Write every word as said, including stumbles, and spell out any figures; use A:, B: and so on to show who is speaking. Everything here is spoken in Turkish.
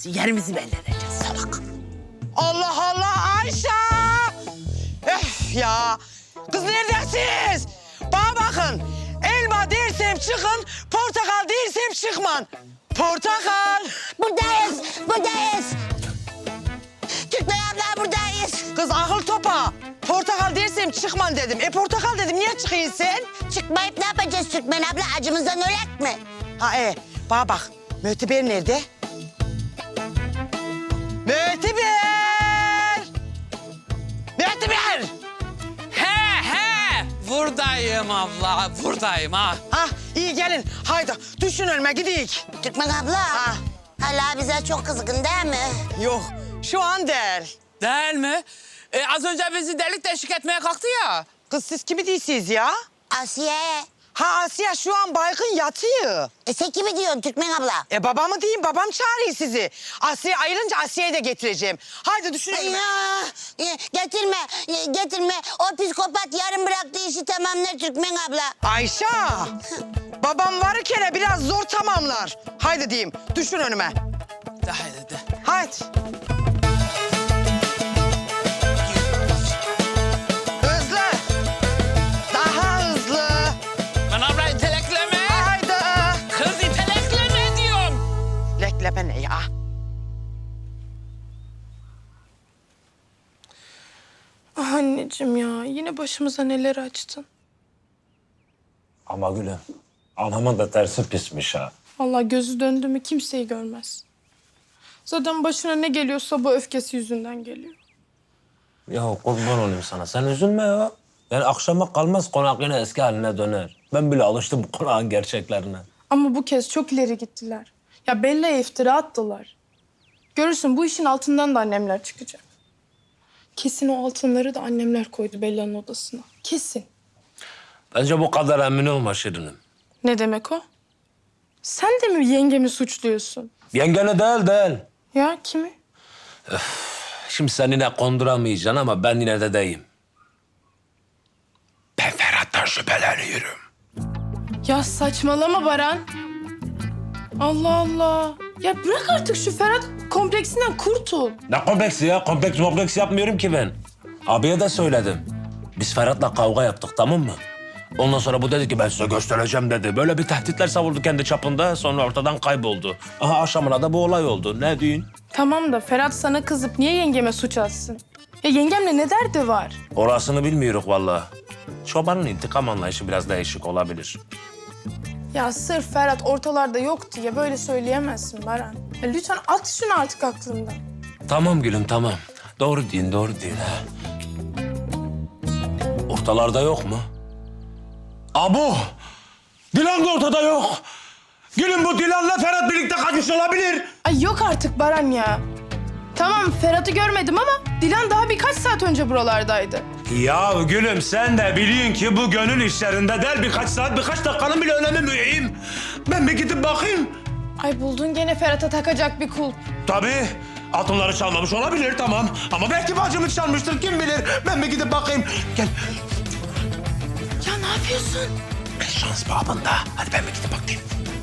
A: olacaksın. Yerimizi belli edeceğiz salak.
B: Allah Allah Ayşe! Öf ya! Kız neredesiniz? Bana bakın. Elma dersem çıkın, portakal dersem çıkman. Portakal!
C: Buradayız, buradayız. Türkmen abla buradayız.
B: Kız akıl topa. Portakal dersem çıkman dedim. E portakal dedim, niye çıkıyorsun sen?
C: Çıkmayıp ne yapacağız Türkmen abla? Acımızdan ölek mi?
B: Ha e, bana bak. Möteber nerede? Möteber! Möteber!
D: He he. Buradayım abla. Buradayım ha.
B: Ha iyi gelin. Haydi düşün önüme gidik.
C: Türkmen abla.
B: Ha.
C: Hala bize çok kızgın değil mi?
B: Yok şu an değil.
D: Değil mi? E, az önce bizi delik deşik etmeye kalktı ya.
B: Kız siz kimi değilsiniz ya?
C: Asiye.
B: Ha Asiye şu an baygın yatıyor.
C: E sen kimi diyorsun Türkmen abla?
B: E babamı diyeyim, babam çağırıyor sizi. Asiye ayrılınca Asiye'yi de getireceğim. Haydi düşün önüme.
C: Ya, e, getirme, e, getirme. O psikopat yarım bıraktığı işi tamamlar Türkmen abla.
B: Ayşe, babam varırken biraz zor tamamlar. Haydi diyeyim, düşün önüme.
D: De haydi de.
B: Haydi. Hızlı. Daha hızlı.
D: Ben abla itelekleme.
B: Haydi.
D: Kız itelekleme diyorum.
B: Leklebe ne ya?
E: Ah anneciğim ya, yine başımıza neler açtın.
F: Ama gülüm, anamın da tersi pismiş ha.
E: Vallahi gözü döndü mü kimseyi görmez. Zaten başına ne geliyorsa bu öfkesi yüzünden geliyor.
F: Ya kurban olayım sana, sen üzülme ya. Yani akşama kalmaz konak yine eski haline döner. Ben bile alıştım bu konağın gerçeklerine.
E: Ama bu kez çok ileri gittiler. Ya Bella'ya iftira attılar. Görürsün bu işin altından da annemler çıkacak. Kesin o altınları da annemler koydu Bella'nın odasına. Kesin.
F: Bence bu kadar emin olma Şirinim.
E: Ne demek o? Sen de mi yengemi suçluyorsun?
F: Yengene değil değil.
E: Ya kimi?
F: Şimdi sen yine konduramayacaksın ama ben yine de deyim. Ben Ferhat'tan şüpheleniyorum.
E: Ya saçmalama Baran. Allah Allah. Ya bırak artık şu Ferhat kompleksinden kurtul.
F: Ne kompleksi ya? Kompleks kompleks yapmıyorum ki ben. Abiye de söyledim. Biz Ferhat'la kavga yaptık, tamam mı? Ondan sonra bu dedi ki ben size göstereceğim dedi. Böyle bir tehditler savurdu kendi çapında, sonra ortadan kayboldu. Aha akşamına da bu olay oldu. Ne diyorsun?
E: Tamam da Ferhat sana kızıp niye yengeme suç atsın? Ya yengemle ne derdi var?
F: Orasını bilmiyoruz vallahi. Çobanın intikam anlayışı biraz değişik olabilir.
E: Ya sırf Ferhat ortalarda yok diye böyle söyleyemezsin Baran. Ya lütfen at şunu artık aklından.
F: Tamam gülüm tamam. Doğru diyorsun, doğru diyorsun ha. Ortalarda yok mu? Abu! Dilan da ortada yok. Gülüm bu Dilan'la Ferhat birlikte kaçmış olabilir.
E: Ay yok artık Baran ya. Tamam Ferhat'ı görmedim ama Dilan daha birkaç saat önce buralardaydı.
F: Ya gülüm sen de biliyorsun ki bu gönül işlerinde değil birkaç saat, birkaç dakikanın bile önemi mühim. Ben bir gidip bakayım.
E: Ay buldun gene Ferhat'a takacak bir kulp.
F: Tabii. Altınları çalmamış olabilir tamam. Ama belki bacımı çalmıştır kim bilir. Ben bir gidip bakayım. Gel.
E: Ya ne yapıyorsun?
F: Şans babında. Hadi ben bir gidip bakayım.